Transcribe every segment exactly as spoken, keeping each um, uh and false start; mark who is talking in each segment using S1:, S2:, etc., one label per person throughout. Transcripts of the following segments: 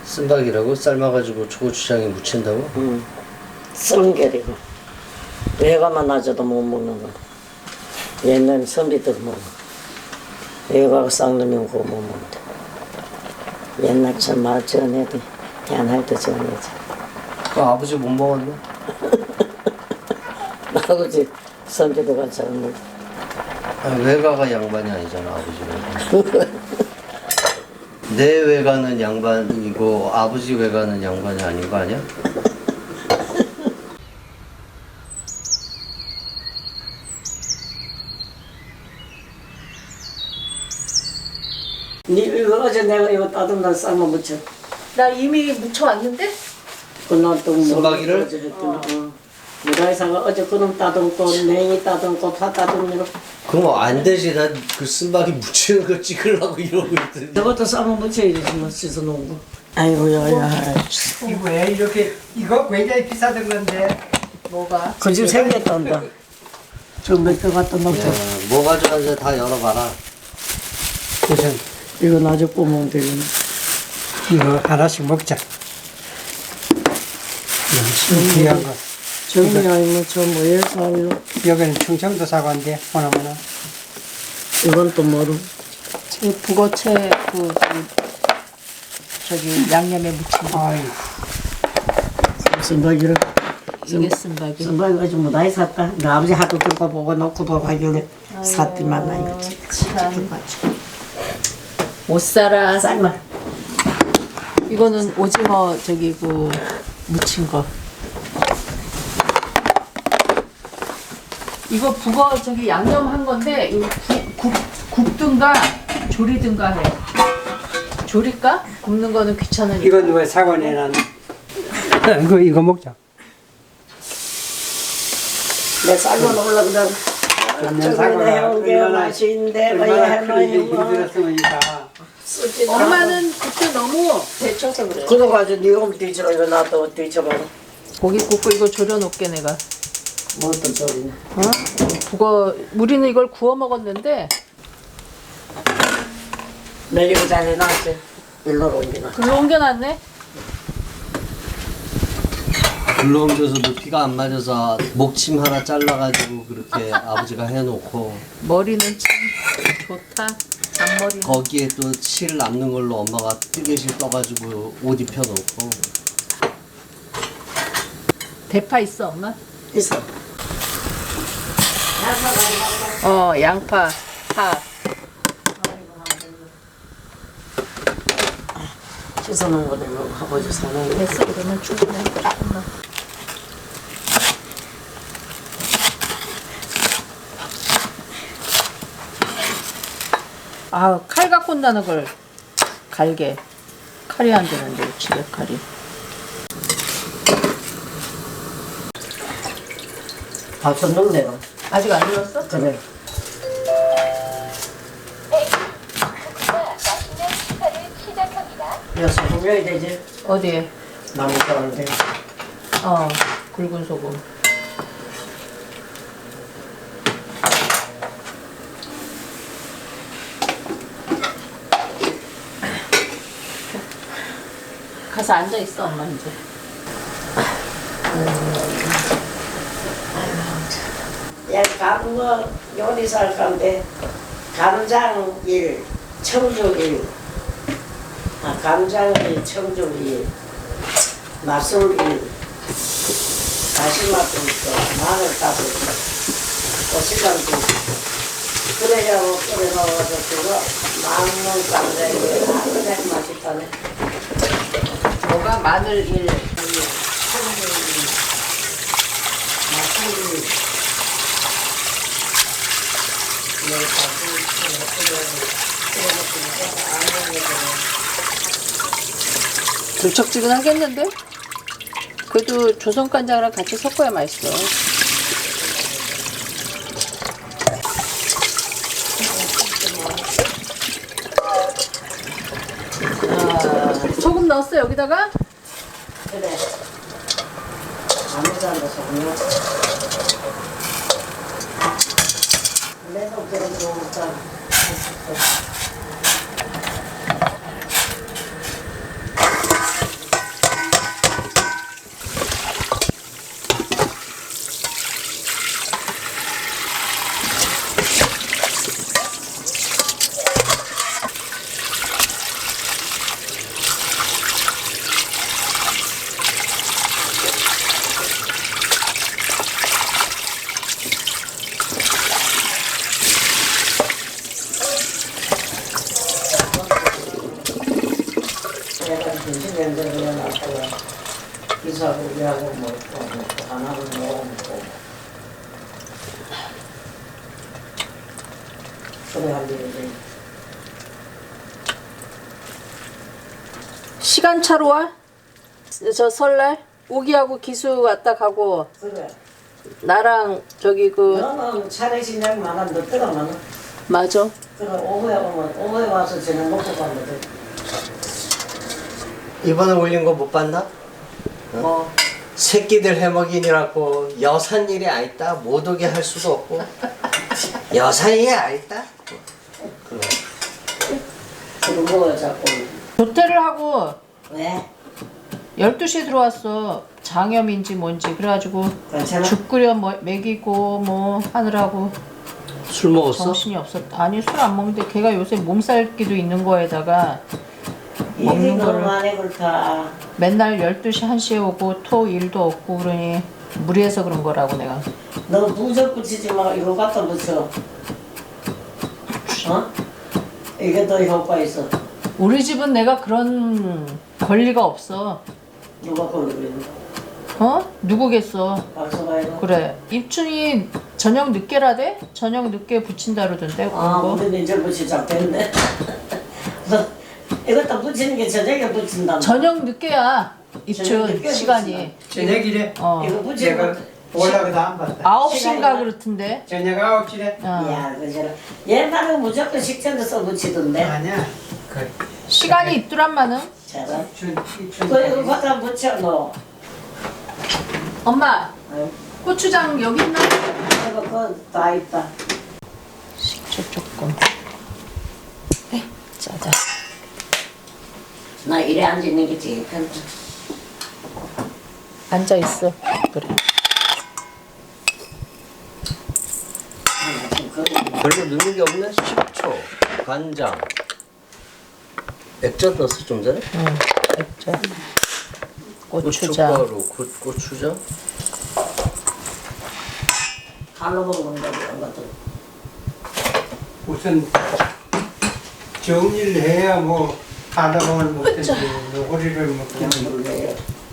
S1: 쓴박이라고? 삶아가지고 초고추장에 무친다고?
S2: 응. 썩은 게리고 외가만 놔줘도 못 먹는 거. 옛날 선비들 먹어. 외가가 쌍놈이 그거 못 먹는데. 옛날처럼 말 전에도 태어날 때 전에지.
S1: 그 아버지 못 먹었네?
S2: 아버지 선비도가 잘 먹어.
S1: 아니, 외가가 양반이 아니잖아, 아버지 외가. 내 외가는 양반이고 아버지 외가는 양반이 아닌 거 아니야?
S2: 니 이거 어제 내가 이거 따뜻한 삶아 무쳐.
S3: 나 이미 묻혀왔는데?
S2: 그날 또
S1: 쓴박이를?
S2: 어제 했더니 어. 무라이사가 어제 그놈 따듬고 냉이 따듬고 파 따듬고
S1: 그럼 안 되지. 난 그 쓴박이 무치는 거 찍으려고 이러고 있더니.
S2: 저것도 삶아 무쳐야지 뭐 씻어 놓은 거. 아이고야.
S4: 이거 왜 이렇게 이거 굉장히 비싸던 건데
S3: 뭐가?
S2: 그 집 생겼단다. 저몇개 갖다 놓자.
S1: 야, 뭐 가져가는지 다 열어봐라.
S4: 우선
S2: 이거 나중에 구우면 되겠네.
S4: 이거 하나씩 먹자. 엄청 귀한 거.
S2: 정리 아니면 저 뭐에 살로.
S4: 여기는 충청도 사과인데 보나마나
S2: 이건 또 뭐로?
S3: 이 북어채 그, 그 저기 양념에 묻힌 거.
S4: 아이
S2: 쓴바기를.
S3: 이게 쓴박이.
S2: 쓴바기 가지고 뭐 나이 샀다. 나 아버지 하도 들고 보고 놓고 보고 하길래 샀더만 나 이거
S3: 참. 못 살아.
S2: 삶아.
S3: 이거는 오징어 저기 그 무친 거. 이거 북어 저기 양념한 건데 이거 국, 국, 굽든가 조리든가 해. 조릴까? 굽는 거는 귀찮으니까.
S4: 이건 왜 사과 내놨나? 이거 이거 먹자.
S2: 내 삶아 놓으려고 그래.
S4: 그러면
S2: 저번에
S4: 사과가
S2: 해온 게
S4: 얼마나
S2: 맛있는데 뭐
S4: 얼마나 크게
S2: 해놓은 거.
S4: 힘들었으니까.
S2: 쓰지도
S3: 엄마는 그때 너무 데쳐서 그래.
S2: 그래가지고 니가 뭐 뒤집어 이거 놔둬 뒤집어.
S3: 고기 굽고 이거 졸여놓게 내가.
S2: 뭐 어떤 소리냐.
S3: 어? 북어 우리는 이걸 구워 먹었는데
S2: 내 이거 잘 해놨지. 일로 옮기나.
S3: 글로 옮겨놨네.
S1: 불러 옮겨서 높이가 안 맞아서 목침 하나 잘라가지고 그렇게 아버지가 해놓고
S3: 머리는 참 좋다. 잔머리.
S1: 거기에 또 실 남는 걸로 엄마가 뜨개실 떠가지고 옷 입혀놓고.
S3: 대파 있어 엄마?
S2: 있어.
S3: 어 양파, 파.
S2: 씻어놓은 거는 이거 아버지 사놓은 거.
S3: 됐어 그러면 충분해. 조금만. 아, 칼 갖고 온다는 걸 갈게. 칼이 안 되는데 집에 칼이.
S2: 밥좀 넣네.
S3: 아직 안 익었어?
S2: 그래. 야, 소금 넣어야 되지?
S3: 어디에?
S2: 나무 자르는데.
S3: 어, 굵은 소금. 가서 앉아 있어 엄마 이제.
S2: 야, 가는 거 요리사 할 건데, 간장 일, 청주 일, 아, 간장 일, 청주 일, 맛술 일, 다시마도 있고, 마늘 따도 있고, 고추장도 있고. 그래야 끓여 넣어서 그거 만원 간장이 아주 맛있다네.
S3: 뭐가 마늘 일,
S2: 청주 일, 맛술 일.
S3: 들쩍지근하겠는데? 그래도 조선 간장이랑 같이 섞어야 맛있어. 아, 소금 넣었어 여기다가?
S2: 그래. 아무 잘안 넣었어. 내가 그런 거 없잖아. 내가 정신 연결을 해놨다가 기사하고 우리하고 먹고 먹고 하나를 먹어먹고 그래 할 일이지.
S3: 시간차로 와? 저 설날? 우기하고 기수 왔다 가고
S2: 그래.
S3: 나랑 저기 그
S2: 너는 차례 신장 많아 늦더가 많아.
S3: 맞아.
S2: 그래 오후에 오면 오후에 와서 저녁 먹고 가면 돼.
S1: 이번에 올린 거 못 봤나?
S2: 뭐
S1: 새끼들 해먹이니라고 여산 일이 아있다 못 오게 할 수도 없고 여산 일이 아있다. 그래.
S2: 그런 거 자꾸
S3: 조퇴를 하고
S2: 왜?
S3: 열두 시에 들어왔어. 장염인지 뭔지 그래가지고
S2: 괜찮아?
S3: 죽 끓여 뭐, 먹이고 뭐 하느라고
S1: 술 먹었어?
S3: 정신이 없었다. 아니 술 안 먹는데 걔가 요새 몸살기도 있는 거에다가
S2: 일이
S3: 먹는
S2: 너무
S3: 거를
S2: 많이 그렇다.
S3: 맨날 열두 시 한 시에 오고 토 일도 없고 그러니 무리해서 그런 거라고 내가.
S2: 너 부적 붙이지 마. 이거 갖다 붙여. 어? 이게 더 효과 있어.
S3: 우리 집은 내가 그런 권리가 없어.
S2: 누가 걸리고 있는 거?
S3: 어? 누구겠어.
S2: 박서가이가.
S3: 그래. 입춘이 저녁 늦게라대? 저녁 늦게 붙인다 그러던데.
S2: 아,
S3: 그거.
S2: 우리는 이제 붙이자 됐네. 이것도 붙이는 게 저녁에 붙인다.
S3: 저녁 늦게야.
S2: 저녁
S3: 입춘
S2: 늦게
S3: 시간이.
S4: 저녁이래.
S3: 어.
S2: 이거 붙이는
S4: 내가
S2: 거.
S4: 올라가도 안 봤다.
S3: 아홉
S2: 시간이
S3: 시인가
S2: 나-
S3: 그렇던데.
S4: 저녁 아홉 시래.
S3: 어.
S2: 야, 그저 옛날에 무조건 식전에 써 붙이던데.
S4: 아니야. 그
S3: 시간이 있더란마는.
S2: 잘하.
S4: 입춘 입춘.
S2: 그 이거 갖다 붙여 너.
S3: 엄마
S2: 어?
S3: 고추장 여기 있나?
S2: 이거 그다 있다.
S3: 식초 조금. 네, 짜자.
S2: 나 이래 앉는 게 제일 편해.
S3: 앉아 있어. 그래.
S2: 아, 지금 그거
S1: 별로 넣는 게 없네. 식초, 간장, 액젓 넣었어 좀 전에?
S3: 응. 액젓. 고추장.
S1: 고춧가루, 고, 고추장.
S2: 칼로 먹는 거 이런 것들.
S4: 우선 정리를 해야 뭐 하다 보면 못든지 요리를 뭐 그냥
S2: 물려요.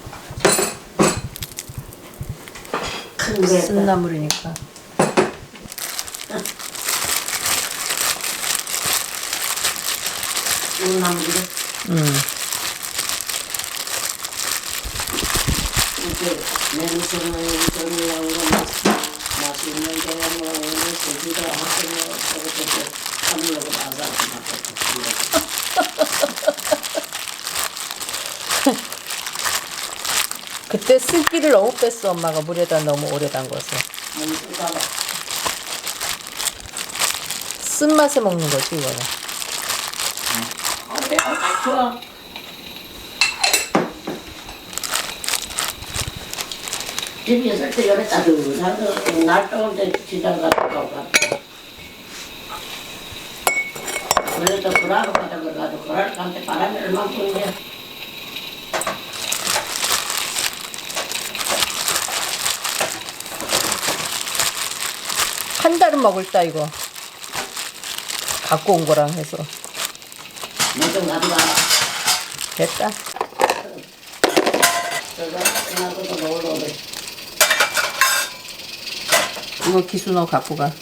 S2: 큰 거.
S3: 쓴나물이니까.
S2: 우나물이
S3: 응.
S2: 이렇게 냄새는 정리한 거 맛있는 게 뭐, 고기가 하고 저것도 한물로 나가서
S3: 그때 쓸기를 너무 뺐어 엄마가 물에다 너무 오래 담궈서.
S2: 몸 쓰다가
S3: 쓴맛에 먹는 거지 이거는.
S2: 어때? 아, 좋아. 집에 있을 때 열에 따뜻하고 날 더울 때 시장 갔다 가고 그래도 그라로 가다 그래가지고 그라로 가는데 바람이 얼마나 부는데
S3: 한 달은 먹을다 이거. 갖고 온 거랑 해서.
S2: 뭐좀 가져가.
S3: 됐다.
S2: 저거 이나도 놀러 오래.
S3: 이거 기수 너 갖고 가.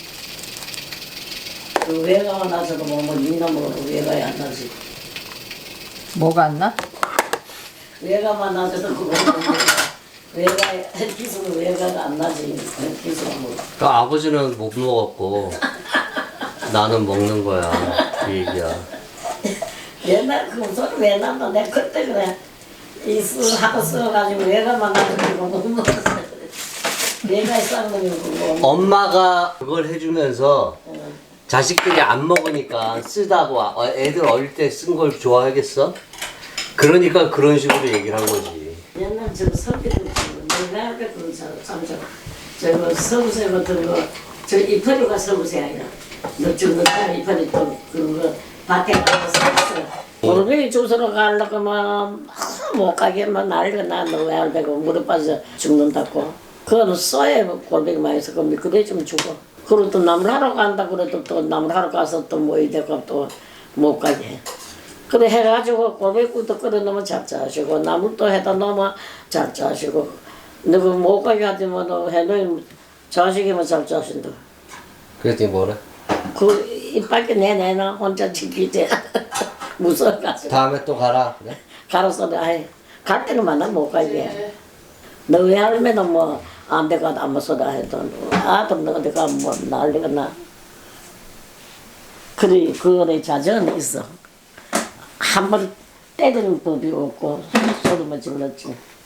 S2: 그 외가가 나서도 뭐 이놈으로 외가에 안 나지.
S3: 뭐가 안 나?
S2: 외가만 나서도 그거 외가에 기수는 외가가 안 나지. 기수가 뭐.
S1: 그 아버지는 못 먹었고 나는 먹는 거야. 그 얘기야.
S2: 옛날 그 소리 왜 난다. 내가 그때 그래. 이수 하고 써가지고 외가만 나서도 못 먹었어. 외가에 쌍놈이 그거.
S1: 엄마가 그걸 해주면서 자식들이 안 먹으니까 쓰다고 어, 애들 어릴 때 쓴 걸 좋아하겠어? 그러니까 그런 식으로 얘기를 한 거지.
S2: 옛날 저 서비도 내가 할때 그런 참저 저거 서부세 같은 거저 이파리가 서부세 아니라 너 죽는 거 이파리 또 그런 거 밭에 가서 샀어. 골뱅이 주스러 가려고 하면 못 가게만 난리가 나너 왜 알배고 무릎 빠져 죽는다고. 그거는 쏘에 골뱅이 많이 있어. 그럼 그래 좀 죽어. 그리고 또 나물 하러 간다 그래도 또 나물 하러 가서 또 뭐 이대가 또 못 가게 해. 그래 해가지고 고백국도 끓여 놓으면 잡자하시고 나물도 해다 놓으면 잡자하시고 너그 못 가게 하지만 해놓으면 자식이면 잡자하신다.
S1: 그랬더니 뭐래?
S2: 그 이빨게 내내나 혼자 지키지 무서워가지고
S1: 다음에 또 가라. 그래?
S2: 가로서 아이 갈 때는 만나 못 가게. 너희 할매는 뭐 안 돼가 안 먹어다 해도 아들 너 어디 가면 뭐 난리가 나. 그래 그거에 자전이 있어. 한 번 때리는 법이 없고 소리만 질렀지.